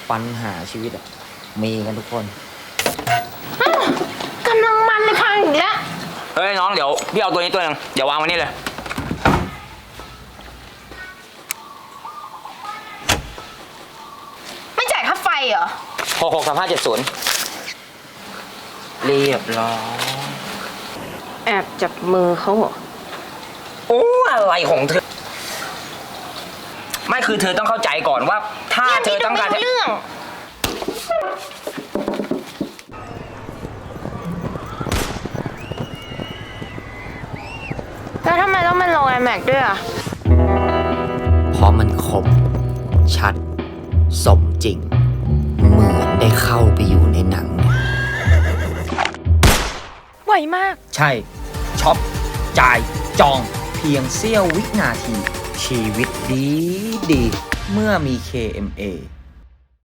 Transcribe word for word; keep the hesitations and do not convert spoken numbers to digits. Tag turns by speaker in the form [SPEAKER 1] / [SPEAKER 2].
[SPEAKER 1] ปัญหาชีวิตอะมีกันทุกคน
[SPEAKER 2] กำลังมันเลยพังอีกแล้ว
[SPEAKER 3] เฮ้ยน้องเดี๋ยวพี่เอาตัวนี้ตัวหนึงเดี๋ยววางไว้นี่เลย
[SPEAKER 2] ไม่จ่ายค่าไฟเหรอ
[SPEAKER 3] หกหกสามห้าเจ็ดศูนย์เรียบร้อย
[SPEAKER 2] แอบจับมือเขาเหรอ
[SPEAKER 3] โอ้อะไรของเธอ ไม่คือเธอต้องเข้าใจก่อนว่า ถ้าเธอต้องการ
[SPEAKER 2] ไม่รู้เรื่องแล้วทำไมต้องเป็นโรงไอแม็กด้วยอ่ะ
[SPEAKER 1] เพราะมันคม ชัด สมจริง เหมือนได้เข้าไปอยู่ในหนัง
[SPEAKER 2] ไวมาก
[SPEAKER 1] ใช่ช็อปจ่ายจองเพียงเสี้ยววินาที ชีวิตดีดี เมื่อมี เค เอ็ม เอ